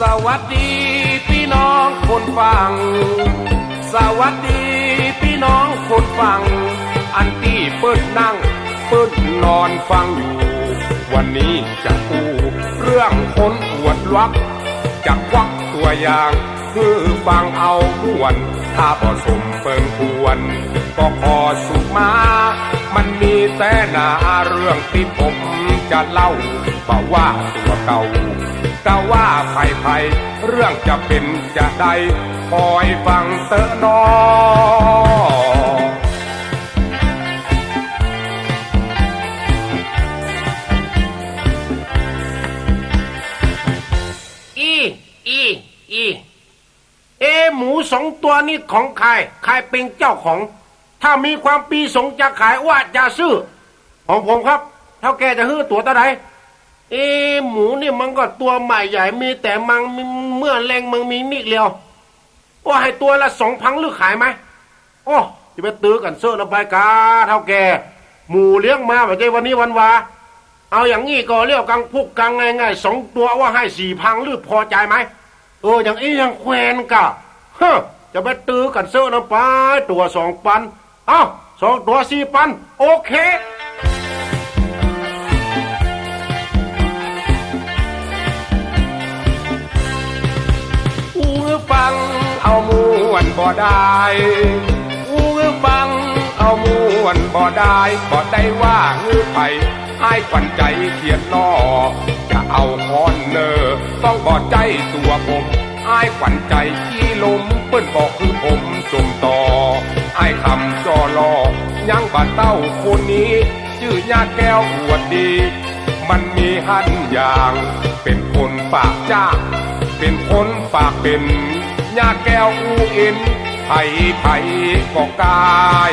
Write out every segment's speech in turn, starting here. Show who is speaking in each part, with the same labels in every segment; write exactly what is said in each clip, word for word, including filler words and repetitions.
Speaker 1: วัสดีพี่น้องคนฟังสวัสดีพี่น้องคนฟังอันที่เปิ้นนั่งเปิ้นนอนฟังอยู่วันนี้จะพูดเรื่องคนอวดวักจะควักตัวอย่างคือฟังเอาม่วนถ้าบ่สมเปิงควรก็ขอสุมามันมีแต่หนาเรื่องที่ผมจะเล่าบ่ว่าตัวเก่าก็ว่าไผ่ไผ่เรื่องจะเป็นจะได้คอยฟังเตอะนออีอีอีเอหมูสองตัวนี้ของใครใครเป็นเจ้าของถ้ามีความปีสงจะขายว่าจะซื้อของผมครับเท่าแกจะฮื้อตัวตาไหนเอหมูนี่มันก็ตัวใหม่ใหญ่มีแต่มังเมื่อแรงมังมีนิดเดียวว่าให้ตัวละสองพันหรือขายไหมโอ้จะไปตื้อกันเสื้อละใบกาเท่าแกหมูเลี้ยงมาแบบใจวันนี้วันวาเอาอย่างนี้ก็เรียกกังพุกกังง่ายๆสองตัวว่าให้สี่พันหรือพอใจไหมเอออย่างนี้ยังแควนกะเฮ้จะไปตื้อกันเสื้อละไปตัวสองพันเอ้าสองตัวสี่พันโอเคฟังเอามวนบ่ได้อูฟังเอามวนบ่ได้บ่ได้ว่าฮือไผอ้ายขวัญใจเขียนนอจะเอาคอนเนอร์ต้องบ่ใจตัวผมอ้ายขวัญใจขี้ลมเปิ้นบอกคือผมจมต่ออ้ายคำจอลอยังบ่เต้าคนนี้ชื่อญาติแก้วอวดดีมันมีหันอย่างเป็นคนปากจ้าเป็นคนปากเป็นญาแก้วอูเอ็นไผ่ไผ่ก็กาย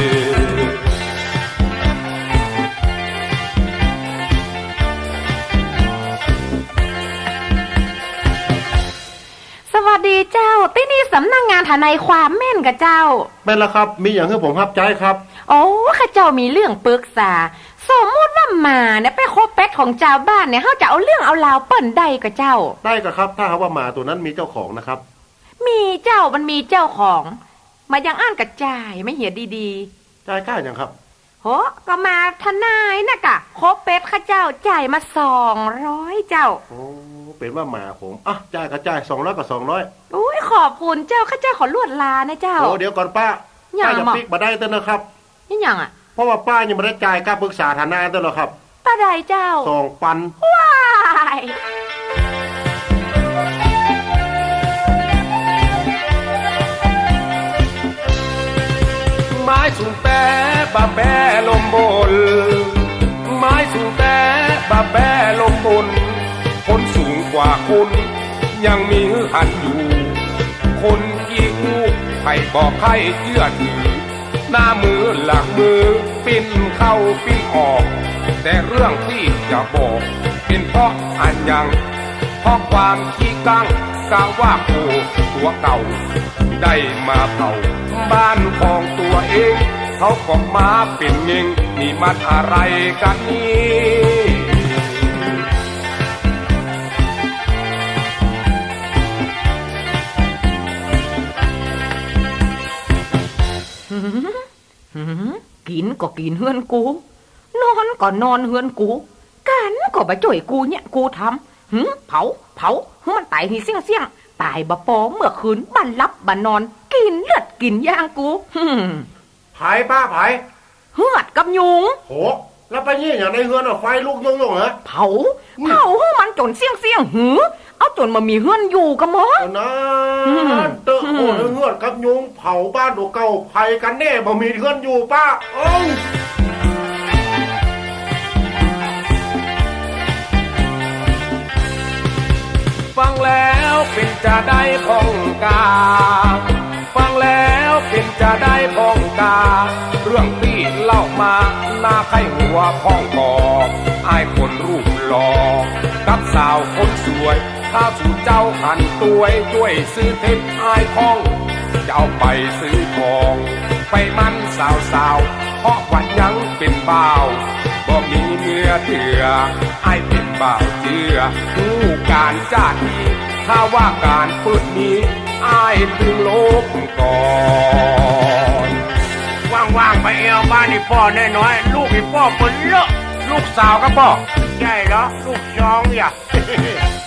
Speaker 2: สวัสดีเจ้าที่นี่สำนัก ง, งานทนายความแม่นกับเจ้า
Speaker 1: เป็นแล้วครับมีอย่างให้ผมรับใจครับ
Speaker 2: โอ้ข้าเจ้ามีเรื่องปรึกษาสมมติว่าหมาเนี่ยไปโคเป็ดของเจ้าบ้านเนี่ยเขาจะเอาเรื่องเอาราวเปิ่นได้กับเจ้า
Speaker 1: ได้กับครับถ้าเขาว่าหมาตัวนั้นมีเจ้าของนะครับ
Speaker 2: มีเจ้ามันมีเจ้าของมายังอ่านกระจายไม่เหี่ยดี
Speaker 1: ๆจ่ายค่าอย่างครับ
Speaker 2: โหก็มาทนายนะกะโคเป็ดข้าเจ้าจ่ายมาสองร้อยเจ้า
Speaker 1: โอ้เป็นว่าหมาผมอ่ะจ่ายกระจายสองร้อยกับสองร้อย
Speaker 2: อุ้ยขอบคุณเจ้าข้าเจ้าขอลวดลานะเจ้า
Speaker 1: โอ้เดี๋ยวก่อนป้าป้าจะปิกมาได้เต้นนะครับ
Speaker 2: นี่ยังอ่ะ
Speaker 1: เพราะว่าป้ายังไม่ได้จ่ายค่าปรึกษาทนายเต้นหรอครับ
Speaker 2: ตาใดเจ้า
Speaker 1: สองพัน
Speaker 2: ว้าย
Speaker 1: ไม้สูงแต่บาแบลมบนไม้สูงแต่บาแบลมบนคนสูงกว่าคนยังมีหันอยู่คนกี่คู่ใครบอกใครเชื่อถือหน้ามือหลังมือปิ้นเข้าปิ้นออกแต่เรื่องที่จะบอกเป็นเพราะอันยังเพราะความขี้กังกล่าวว่าโอ้ตัวเก่าได้มาเผาบ้านของตัวเองเขาก็มาเป็นเง่งนี่มันอะไรกันนี่
Speaker 2: กินก็กินเฮือนกูนอนก็นอนเฮือนกูกันก็บ่จ่อยกูเนี่ยกูทำหึเผาเผามันตายทีเสี่ยงเสี่ยงตายบ่ปอเมื่อคืนบันลับบันนอนกินเลือดกินย่างกู
Speaker 1: ไผป้าไผ
Speaker 2: เหือดกับยุง
Speaker 1: โหแล้วไปนี่อย่างในเฮือนไฟลุกยงยงเหรอ
Speaker 2: เผาเผาให้มันจนเสี่ยงเสี่ยงหือเอาจนมามีเฮือนอยู่กับหมอ
Speaker 1: นะเตอะโหเฮือนกับยุงเผาบ้านตัวเก่าไผกันแน่บ่มีเฮือนอยู่ป้าโอ้ฟังแล้วเป็นจะได้พองกาฟังแล้วเป็นจะได้พองกาเรื่องที่เล่ามาหน้าไข้หัวพ้องกออายคนรูปหล่อกับสาวคนสวยถ้าสู่เจ้าหันตัวยช่วยซื้อเพชรอายพ้องจะเอาไปซื้อทองไปมันสาวสาวเพราะวันยังเป็นบ่าวบ่มีเมียเถื่ออายเป็นบ่าวเจือผู้การจ้าทีทข้าว่าการปืนนี้อ้ายตึงโลกก่อนว่างๆไปเอวบ้านนี่พ่อแน่น้อยลูกนี่พ่อเปิดเลอะลูกสาวก็พ่อใช่เหรอลูกชองอย่า